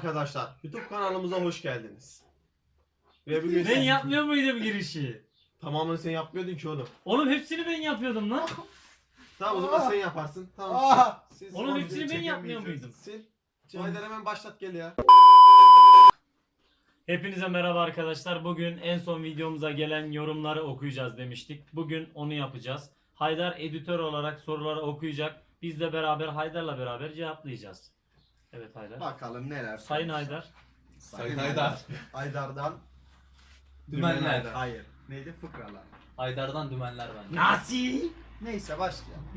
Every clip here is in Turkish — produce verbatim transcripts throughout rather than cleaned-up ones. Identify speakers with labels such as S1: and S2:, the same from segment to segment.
S1: arkadaşlar, YouTube kanalımıza hoş geldiniz. Ve bugün
S2: Ben yapmıyor muydum girişi?
S1: tamamını sen yapmıyordun ki oğlum.
S2: Oğlum hepsini ben yapıyordum lan.
S1: Tamam o zaman sen yaparsın. Tamam.
S3: Aa!
S1: Siz
S2: Oğlum
S1: onu
S2: hepsini ben
S1: çekemeyeceksiniz.
S2: yapmıyor muydum?
S1: Sil. Haydar hemen başlat gel ya.
S2: Hepinize merhaba arkadaşlar. Bugün en son videomuza gelen yorumları okuyacağız demiştik. Bugün onu yapacağız. Haydar editör olarak soruları okuyacak. Biz de beraber Haydar'la beraber cevaplayacağız. Evet Haydar.
S3: Bakalım neler.
S2: Sayın
S3: sormuşlar.
S2: Haydar.
S4: Sayın Haydar.
S3: Haydar'dan
S4: Dümenler.
S3: hayır. Neydi? Fıkralar.
S4: Haydar'dan dümenler bence.
S2: Nasi?
S3: Neyse başlayalım.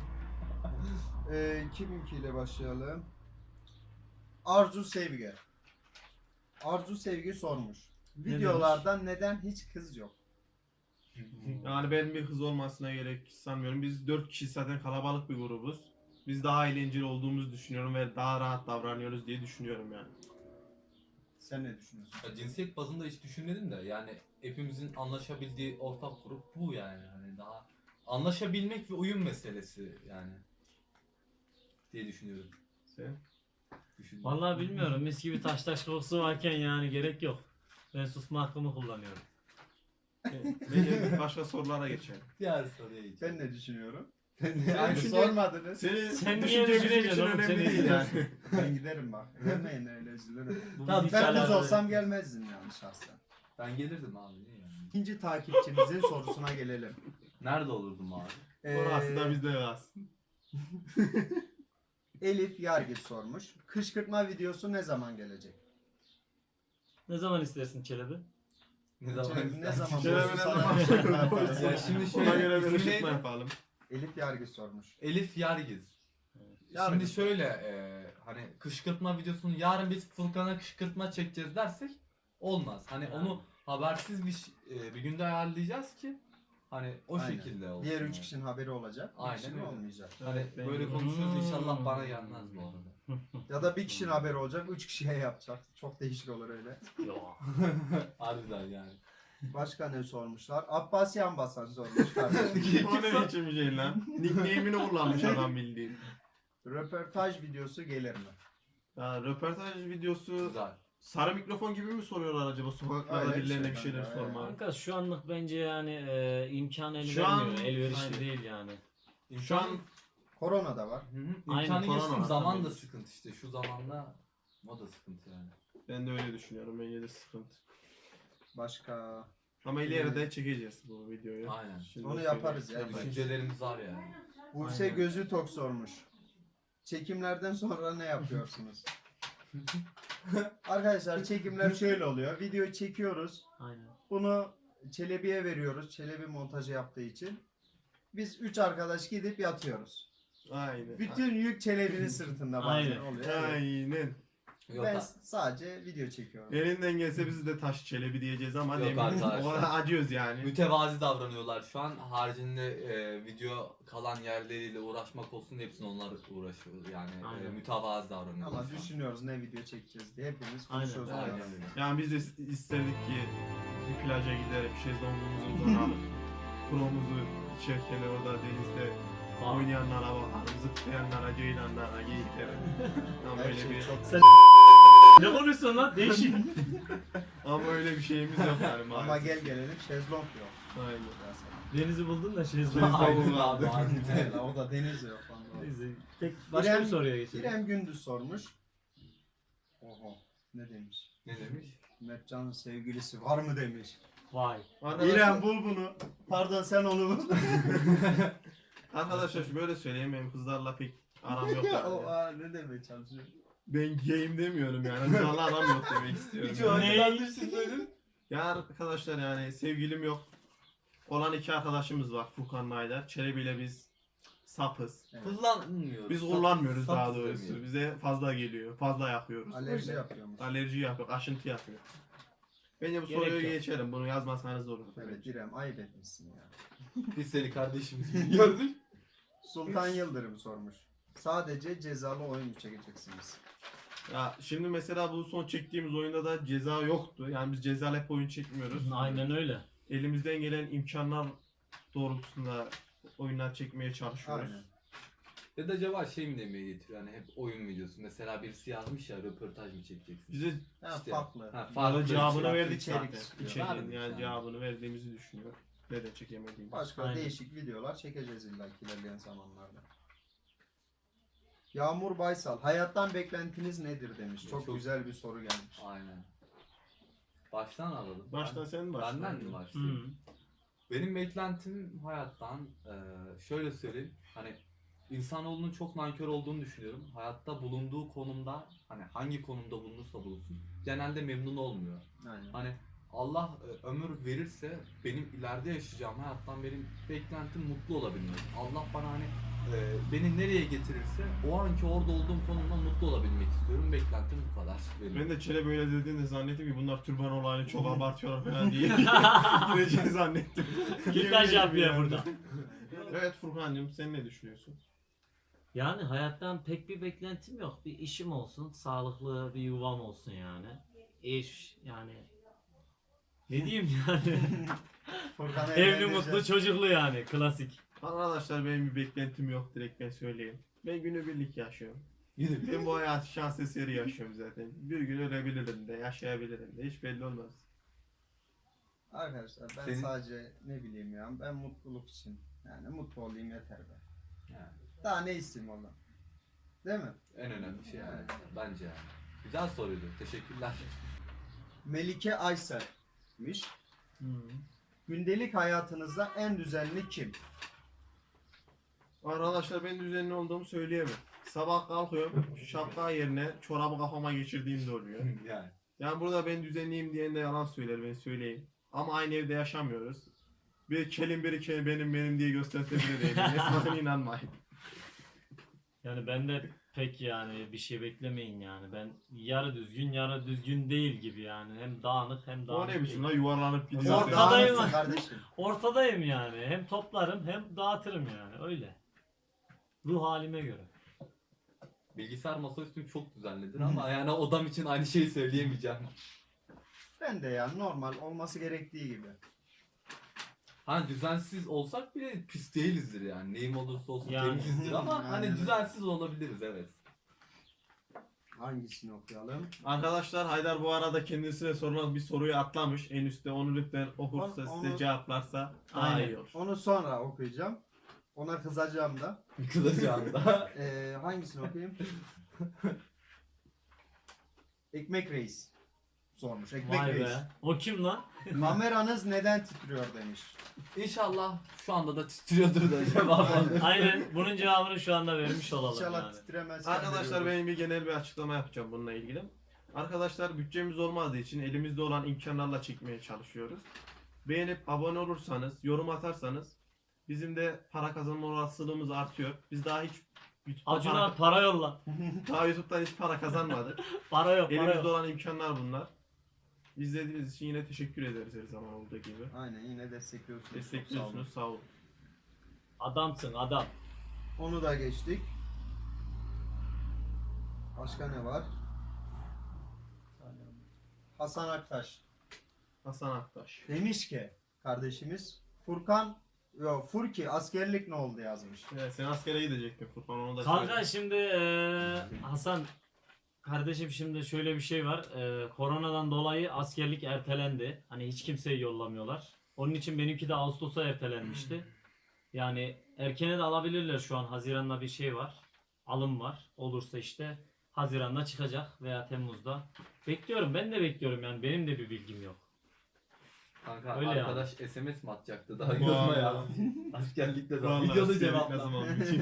S3: ee, kiminkiyle başlayalım? Arzu Sevgi. Arzu Sevgi sormuş. Videolarda neden hiç kız yok?
S1: Yani benim bir kız olmasına gerek sanmıyorum. Biz dört kişi zaten kalabalık bir grubuz. Biz daha eğlenceli olduğumuzu düşünüyorum ve daha rahat davranıyoruz diye düşünüyorum yani.
S3: Sen ne düşünüyorsun?
S4: Ya cinsiyet bazında hiç düşünmedim de yani hepimizin anlaşabildiği ortak grup bu yani. Hani daha anlaşabilmek ve uyum meselesi yani diye düşünüyorum.
S1: Sen?
S4: Düşünüyorum.
S2: Vallahi bilmiyorum. Mis gibi taş taş kokusu varken yani gerek yok. Ben susma hakkımı kullanıyorum.
S1: Bence başka sorulara geçelim.
S4: Diğer soruya geçelim.
S3: Ben ne düşünüyorum?
S1: Sen
S3: Yani
S1: düşünce-
S3: sormadınız.
S1: Senin
S2: Sen niye
S1: düşünce bizim
S2: düşüneceksin
S1: için
S2: oğlum?
S1: önemli
S2: Seni
S1: değil yani.
S3: Ben giderim bak. Vermeyin öyle üzülürüm.
S2: Bu
S4: Tamam,
S2: bizi
S3: Ben
S2: hiç
S3: kız
S2: alakalı-
S3: olsam gelmezdim yani şahsen.
S4: Ben gelirdim abi niye yani?
S3: İkinci takipçimizin sorusuna gelelim.
S4: Nerede olurdum abi?
S1: Orası da
S3: Ee,
S1: bizde kalsın.
S3: Elif Yargıç sormuş. Kışkırtma videosu ne zaman gelecek?
S2: Ne zaman istersin Çelebi?
S4: Ne zaman
S3: Çelebi ne
S4: istersin?
S3: zaman
S1: Çelebi
S3: bulursun
S1: ne
S3: sana
S1: zaman-
S3: kışkırtma yaparız.
S4: Ya şimdi
S1: Ona
S4: şöyle
S1: göre bir
S4: isim
S1: ışıtma
S4: neydi?
S1: yapalım.
S3: Elif Yargıç sormuş.
S4: Elif Yargiz.
S3: Yargı.
S4: Şimdi şöyle e, hani kışkırtma videosunu yarın biz Furkan'a kışkırtma çekeceğiz dersek olmaz. Hani onu habersiz bir ş- e, bir günde ayarlayacağız ki hani o
S3: Aynen.
S4: şekilde olsun.
S3: Diğer üç
S4: yani.
S3: kişinin haberi olacak. bir
S4: Aynen
S3: kişinin
S4: öyle.
S3: olmayacak.
S4: Hani
S1: Evet,
S4: böyle
S1: ben-
S4: konuşuyoruz inşallah
S2: Hmm.
S4: bana gelmez bu arada.
S3: Ya da bir kişinin haberi olacak, üç kişiye yapacak. Çok değişik olur öyle.
S2: Yok.
S4: Harbiden yani.
S3: Başka ne sormuşlar? Abbas Yanbasan sormuş kardeşim.
S1: O ne biçim bir şey lan? Nickname'ini kullanmış adam bildiğin.
S3: Röportaj videosu gelir mi?
S1: Ya röportaj videosu
S4: Güzel.
S1: sarı mikrofon gibi mi soruyorlar acaba sokaklarda
S3: Öyle bir
S1: birilerine
S3: şey
S1: bir şeyler
S3: bence,
S1: sorma.
S2: Kanka şu anlık bence yani e, imkan el
S1: Şu an-
S2: vermiyor. Elverişli
S1: Aynen.
S2: değil yani.
S1: Şu an
S3: Korona da var.
S4: Hı hı.
S2: Aynen,
S4: İmkanı
S1: korona
S4: geçtim
S1: var
S4: zaman
S1: tabii.
S4: da sıkıntı işte şu zamanda o da sıkıntı yani.
S1: ben de öyle düşünüyorum. Bence de sıkıntı.
S3: Başka...
S1: Ama ileride çekeceğiz bu videoyu.
S4: Aynen.
S1: Şimdi
S3: Onu
S1: söyleyeyim.
S3: yaparız ya.
S1: Yaparız.
S4: Düşüncelerimiz var yani.
S3: Buse
S1: Aynen.
S3: Gözü Tok sormuş. Çekimlerden sonra ne yapıyorsunuz? Arkadaşlar çekimler şöyle oluyor. Videoyu çekiyoruz.
S2: Aynen.
S3: Bunu Çelebi'ye veriyoruz. Çelebi montajı yaptığı için. Biz üç arkadaş gidip yatıyoruz.
S1: Aynen.
S3: Bütün yük Çelebi'nin sırtında bazen
S2: Aynen.
S3: oluyor. Evet.
S1: Aynen.
S4: Yok,
S3: Ben
S4: ha-
S3: sadece video çekiyorum.
S1: Elinden gelse biz de taş çelebi diyeceğiz ama
S4: Yok
S1: demin
S4: arkadaşlar.
S1: o kadar acıyoruz yani.
S4: mütevazi davranıyorlar şu an. Haricinde e, video kalan yerleriyle uğraşmak olsun hepsini onlar uğraşıyor. Yani e,
S2: Aynen.
S4: mütevazi davranıyorlar.
S3: Ama
S4: şu an.
S3: düşünüyoruz ne video çekeceğiz diye hepimiz
S2: Aynen.
S3: konuşuyoruz.
S1: Aynen.
S4: Aynen öyle.
S1: Yani biz de isterdik ki bir plaja giderek şezlongumuzu uzanalım. Promuzu içerken orada denizde oynayanlara bakalım, zıplayanlara, ceylanlara, geyiklere. Ama
S3: Her
S1: öyle
S3: şey
S1: bir
S3: çok
S2: Ne konuşuyorsun lan? Değişik.
S1: ama öyle bir şeyimiz yok yani
S3: ama
S1: maalesef.
S3: gel gelelim şezlong yok.
S1: Aynen.
S3: Ya sana.
S2: Denizi buldun da şey
S4: Aynen abi. harbiden.
S3: Evet, o da deniz yok. vallahi.
S2: Neyse. Tek başka
S3: İrem-
S2: bir soruya geçelim.
S3: İrem Gündüz sormuş. Oho ne demiş?
S4: Ne demiş?
S3: Mertcan'ın sevgilisi var mı demiş.
S2: Vay.
S1: Arkadaşlar,
S3: İrem bul bunu. Pardon sen onu bul.
S1: arkadaşlar böyle söyleyeyim benim kızlarla pek aram yok yani.
S3: o aa, ne demeye çalışıyor?
S1: Ben gayim demiyorum yani. Kızlarla aram yok demek istiyorum.
S4: Hiç o
S1: yani.
S2: Ne?
S4: açıdan düşünmedim.
S1: Ya arkadaşlar yani sevgilim yok. Olan iki arkadaşımız var Furkan'la Haydar. Çelebi ile biz sapız.
S3: Evet.
S4: Kullanmıyoruz.
S1: Biz
S4: Sap-
S1: kullanmıyoruz
S4: sap
S1: daha doğrusu.
S4: istemiyor.
S1: Bize fazla geliyor. Fazla yakıyoruz.
S3: Alerji
S1: Öyle.
S3: yapıyormuş.
S1: Alerji yapıyor. Aşıntı yapıyor. Bence bu
S2: Gerek
S1: soruyu
S2: yok.
S1: geçelim. Bunu yazmasanız olur.
S3: Evet İrem ayıp etmişsin ya.
S4: Biz seni kardeşimiz gibi gördük.
S3: Sultan Yıldırım sormuş. Sadece cezalı oyun mu çekeceksiniz?
S1: Ya şimdi mesela bu son çektiğimiz oyunda da ceza yoktu. Yani biz cezalı hep oyun çekmiyoruz.
S2: Aynen öyle.
S1: Elimizden gelen imkanlar doğrultusunda oyunlar çekmeye çalışıyoruz.
S3: Aynen.
S4: Ya da acaba şey mi demeye getiriyor hani hep oyun videosu. Mesela birisi yazmış ya röportaj mı çekeceksin?
S1: Bize
S3: Ha,
S4: İşte-
S3: farklı.
S4: Ha,
S1: farklı cevabını
S4: şey.
S1: verdik
S3: içerik
S1: zaten.
S3: istiyor.
S1: İçeriğin
S4: Verdik
S1: yani
S4: yani.
S1: cevabını verdiğimizi düşünüyor. Neden çekemediğimiz.
S3: Başka
S2: Aynen.
S3: değişik videolar çekeceğiz illa ki ilerleyen zamanlarda. Yağmur Baysal, hayattan beklentiniz nedir demiş. Çok,
S4: Çok-
S3: güzel bir soru gelmiş.
S4: Aynen. Baştan alalım.
S1: Baştan
S4: Ben-
S1: sen başla.
S4: Benden mi
S2: Hı.
S4: başlayayım? Benim beklentim hayattan eee, şöyle söyleyeyim. Hani insanoğlunun çok nankör olduğunu düşünüyorum. Hayatta bulunduğu konumda hani hangi konumda bulunursa bulunsun genelde memnun olmuyor.
S3: Aynen.
S4: Hani Allah e, ömür verirse benim ileride yaşayacağım hayattan benim beklentim mutlu olabilmek. Allah bana hani e, beni nereye getirirse o anki orada olduğum konumda mutlu olabilmek istiyorum. Beklentim bu kadar benim.
S1: Ben de Çele böyle dediğinde zannettim ki bunlar türban olayını çok abartıyorlar falan diye gireceğini zannettim.
S2: Kürtaj yapıyor
S1: Yani.
S2: burada.
S1: Evet Furkan'cığım sen ne düşünüyorsun?
S2: Yani hayattan pek bir beklentim yok. Bir işim olsun, sağlıklı bir yuvam olsun yani. İş yani. Ne diyeyim yani?
S3: Furkan'ı
S2: Evli,
S3: evlendireceğiz.
S2: mutlu, çocuklu yani. Klasik.
S1: Arkadaşlar benim bir beklentim yok direkt ben söyleyeyim. Ben günübirlik yaşıyorum.
S4: Yine
S1: Ben bu hayatı şans eseri yaşıyorum zaten. Bir gün ölebilirim de yaşayabilirim de hiç belli olmaz.
S3: Arkadaşlar ben
S4: Senin-
S3: sadece ne bileyim ya ben mutluluk için yani mutlu olayım yeter be.
S4: yani
S3: Daha ne isteyeyim ondan? Değil mi?
S4: en önemli şey yani. Bence yani. Güzel soruydu. Teşekkürler.
S3: Melike Aysel'miş. Gündelik hayatınızda en düzenli kim?
S1: Arkadaşlar ben düzenli olduğumu söyleyemem. Sabah kalkıyorum şapka yerine çorabı kafama geçirdiğim de oluyor.
S4: yani.
S1: Yani burada ben düzenliyim diyen de yalan söyler ben söyleyeyim. Ama aynı evde yaşamıyoruz. Bir kelim biri kelim benim benim diye gösterse değilim. Sakın inanmayın.
S2: Yani ben de pek yani bir şey beklemeyin yani. Ben yarı düzgün yarı düzgün değil gibi yani. Hem dağınık hem
S1: O
S2: dağınık
S1: ne biçim
S2: değil.
S1: lan yuvarlanıp
S3: Sen
S1: gidiyor.
S2: Ortada-
S3: dağınıksın
S2: Ortadayım.
S3: kardeşim.
S2: Ortadayım yani. Hem toplarım hem dağıtırım yani. Öyle. Ruh halime göre.
S4: Bilgisayar masaüstüm çok düzenlidir ama yani odam için aynı şeyi söyleyemeyeceğim.
S3: Ben de ya normal olması gerektiği gibi.
S4: Hani düzensiz olsak bile pis değilizdir yani. Neyim olursa olsun
S2: Yani.
S4: temizizdir ama
S3: Aynen
S4: hani
S3: öyle.
S4: düzensiz olabiliriz evet.
S3: Hangisini okuyalım?
S1: Arkadaşlar Haydar bu arada kendisine sorulan bir soruyu atlamış. En üstte onu lütfen okursa
S3: Onu-
S1: size
S3: onu-
S1: cevaplarsa daha
S2: Aynen.
S1: iyi olur.
S3: Onu sonra okuyacağım. Ona kızacağım da.
S4: Kızacağında.
S3: Ee, hangisini okuyayım? Ekmek Reis sormuş. Ekmek
S2: Vay
S3: Reis.
S2: be. O kim lan?
S3: Kameranız neden titriyor demiş.
S4: İnşallah şu anda da titriyordur da cevap alır.
S2: Aynen. Bunun cevabını şu anda vermiş olalım
S3: İnşallah
S2: yani.
S3: titremez.
S1: Arkadaşlar benim bir genel bir açıklama yapacağım bununla ilgili. Arkadaşlar bütçemiz olmadığı için elimizde olan imkanlarla çekmeye çalışıyoruz. Beğenip abone olursanız, yorum atarsanız bizim de para kazanma olasılığımız artıyor. Biz daha hiç YouTube'dan
S2: Acuna
S1: para,
S2: para yolla.
S1: daha YouTube'dan hiç para kazanmadık.
S2: Para yok para
S1: Elimizde
S2: yok.
S1: olan imkanlar bunlar. İzlediğiniz için yine teşekkür ederiz her zaman olduğu gibi.
S3: Aynen yine destekliyorsunuz. Çok sağ olun.
S1: Destekliyorsunuz sağ olun.
S2: Adamsın adam.
S3: Onu da geçtik. Başka ne var? Hasan Aktaş
S1: Hasan Aktaş.
S3: demiş ki kardeşimiz Furkan yo Furki askerlik ne oldu yazmış.
S1: Evet, sen askere gidecektin Furkan onu da
S2: Kanka
S1: söyle.
S2: şimdi eee, Hasan kardeşim şimdi şöyle bir şey var. Eee, koronadan dolayı askerlik ertelendi. Hani hiç kimseyi yollamıyorlar. Onun için benimki de Ağustos'a ertelenmişti. Yani erkene de alabilirler şu an. Haziran'da bir şey var. Alım var. Olursa işte Haziran'da çıkacak veya Temmuz'da. Bekliyorum. Ben de bekliyorum yani. Benim de bir bilgim yok.
S4: Kanka
S2: Öyle
S4: arkadaş S M S mi atacaktı daha
S1: Vallahi.
S4: yorma ya. Askerlikte de
S1: Vallahi
S4: videolu
S1: askerlik
S4: cevap.
S1: ne zaman bitiyor?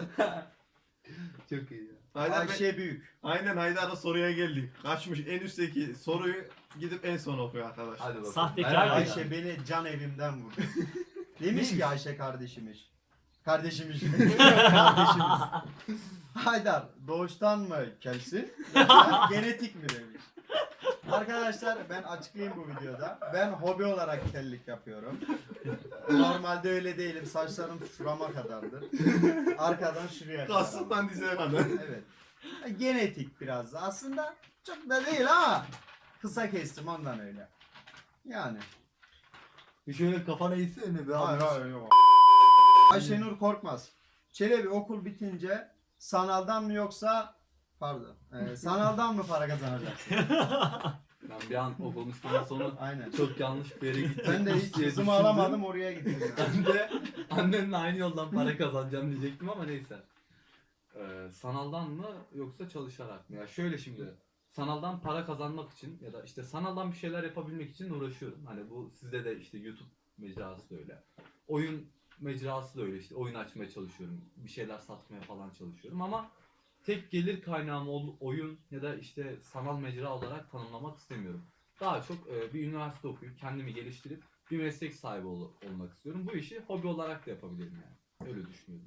S4: Çok iyi ya.
S1: Haydar Bey-
S3: Ayşe Büyük.
S1: Aynen Haydar'la soruya geldik. Kaçmış en üstteki soruyu gidip en son okuyor arkadaşlar.
S4: Hadi bakalım.
S2: Sahtekar
S4: Merak
S2: Ayşe
S4: ettim.
S3: Ayşe beni can evimden vurdu. Demiş ki Ayşe kardeşimiz. Kardeşimiz. Kardeşimiz. Haydar doğuştan mı kelsin? Yoksa genetik mi demiş. Arkadaşlar ben açıklayayım bu videoda. Ben hobi olarak kellik yapıyorum. Normalde öyle değilim. Saçlarım şurama kadardır. Arkadan şuraya kadar.
S1: Kasından dizeye kadar.
S3: Evet. Genetik biraz da. Aslında çok da değil ama kısa kestim ondan öyle. Yani.
S4: Bir şöyle kafana eğsene be
S3: Hayır
S4: abi.
S3: hayır yok. Ayşenur Korkmaz Çelebi okul bitince sanaldan mı yoksa pardon e, sanaldan mı para kazanacaksın?
S4: Ben bir an o konuşmanın sonu
S3: Aynen.
S4: çok yanlış bir yere gitti.
S3: Ben de hiç
S4: diye
S3: hızımı
S4: düşündüm.
S3: alamadım oraya gittim.
S4: Ben de annemle aynı yoldan para kazanacağım diyecektim ama neyse. Ee, sanaldan mı yoksa çalışarak mı? Ya şöyle şimdi sanaldan para kazanmak için ya da işte sanaldan bir şeyler yapabilmek için uğraşıyorum. Hani bu sizde de işte YouTube mecrası da öyle. Oyun mecrası da öyle işte oyun açmaya çalışıyorum. Bir şeyler satmaya falan çalışıyorum ama tek gelir kaynağım ol- oyun ya da işte sanal mecra olarak tanımlamak istemiyorum. Daha çok e, bir üniversite okuyup kendimi geliştirip bir meslek sahibi ol- olmak istiyorum. Bu işi hobi olarak da yapabilirim yani. Öyle düşünüyorum.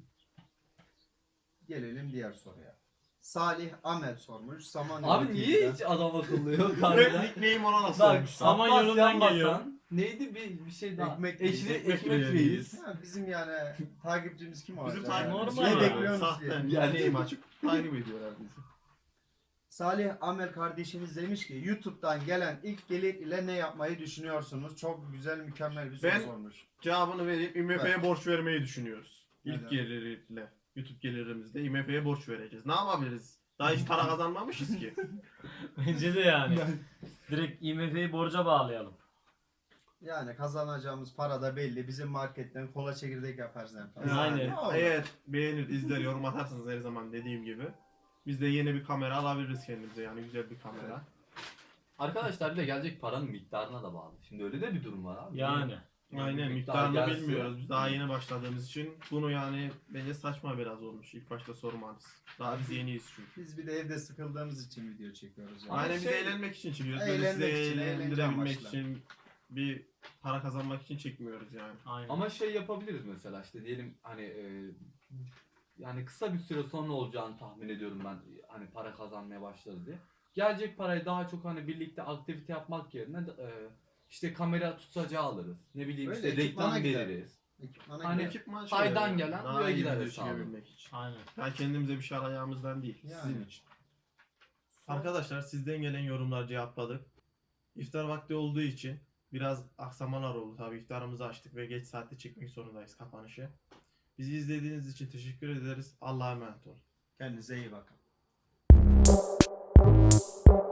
S3: Gelelim diğer soruya. Salih Amel sormuş. Samanyolu
S4: Abi niye
S3: T V'den.
S4: hiç adam akıllı yok
S1: Hep
S4: harbiden?
S1: nickname ona nasıl
S4: Bak
S1: olmuş?
S2: Saman
S4: Abbas
S2: yolundan
S4: Yanbasan,
S2: geliyor.
S4: Neydi bir, bir şey daha?
S3: Ekmek
S4: Eşli,
S3: reis.
S4: ekmek,
S1: Ekmek
S4: reis.
S3: Ha, bizim yani takipçimiz kim olacak?
S1: Bizim
S3: yani?
S1: takipçimiz
S2: Normal
S3: Ne
S2: abi.
S3: bekliyorsunuz diye.
S1: Sahten
S4: Yani-
S1: nickname açıp takip ediyorlar bizi.
S3: Salih Amel kardeşimiz demiş ki YouTube'dan gelen ilk gelir ile ne yapmayı düşünüyorsunuz? Çok güzel, mükemmel bir soru
S1: Ben-
S3: sormuş.
S1: Cevabını verip I M F'ye borç vermeyi düşünüyoruz. İlk
S3: Neden?
S1: geliriyle, YouTube gelirimizle I M F'ye borç vereceğiz. Ne yapabiliriz? Daha hiç para kazanmamışız ki.
S2: Bence de yani. Direkt I M F'yi borca bağlayalım.
S3: Yani kazanacağımız para da belli. Bizim marketten kola çekirdek yaparız en fazla.
S1: Yani
S2: Aynen.
S3: Ne olur?
S1: eğer beğenir, izler, yorum atarsanız her zaman dediğim gibi biz de yeni bir kamera alabiliriz kendimize, yani güzel bir kamera.
S4: Arkadaşlar bir de gelecek paranın miktarına da bağlı. Şimdi öyle de bir durum var abi.
S2: Yani.
S1: Aynen,
S4: Bir miktar
S1: miktarını
S4: gelse-
S1: bilmiyoruz. Biz daha yeni başladığımız için bunu yani bence saçma biraz olmuş ilk başta sormanız. Daha biz yeniyiz çünkü.
S3: Biz bir de evde sıkıldığımız için video çekiyoruz. Yani.
S4: Ama
S1: Aynen biz
S4: şey-
S1: eğlenmek için çekiyoruz. Böyle
S3: Eğlenmek
S1: size
S3: için, eğlence
S1: eğlendirebilmek
S3: amaçlı.
S1: için, bir para kazanmak için çekmiyoruz yani.
S2: Aynen.
S4: Ama şey yapabiliriz mesela işte diyelim hani e, yani kısa bir süre sonra olacağını tahmin ediyorum ben hani para kazanmaya başladı diye. Gelecek parayı daha çok hani birlikte aktivite yapmak yerine de, e, işte kamera tutacağı alırız. Ne bileyim
S3: Öyle,
S4: işte
S3: ekipmana
S4: reklam
S3: gider.
S4: veririz.
S3: Ekipmana
S4: Hani-
S3: gider.
S1: Ekipman
S4: Faydan
S1: şeyleri,
S4: gelen
S1: daha
S4: buraya
S1: iyi
S4: gider
S1: video
S4: hesabı.
S1: çekebilmek için.
S2: Aynen.
S1: Yani kendimize bir şey arayacağımızdan değil, sizin
S3: Yani.
S1: için. Arkadaşlar sizden gelen yorumlar cevapladık. İftar vakti olduğu için biraz aksamalar oldu. Tabii iftarımızı açtık ve geç saatte çekmek zorundayız kapanışı. Bizi izlediğiniz için teşekkür ederiz. Allah'a emanet olun.
S3: Kendinize iyi bakın.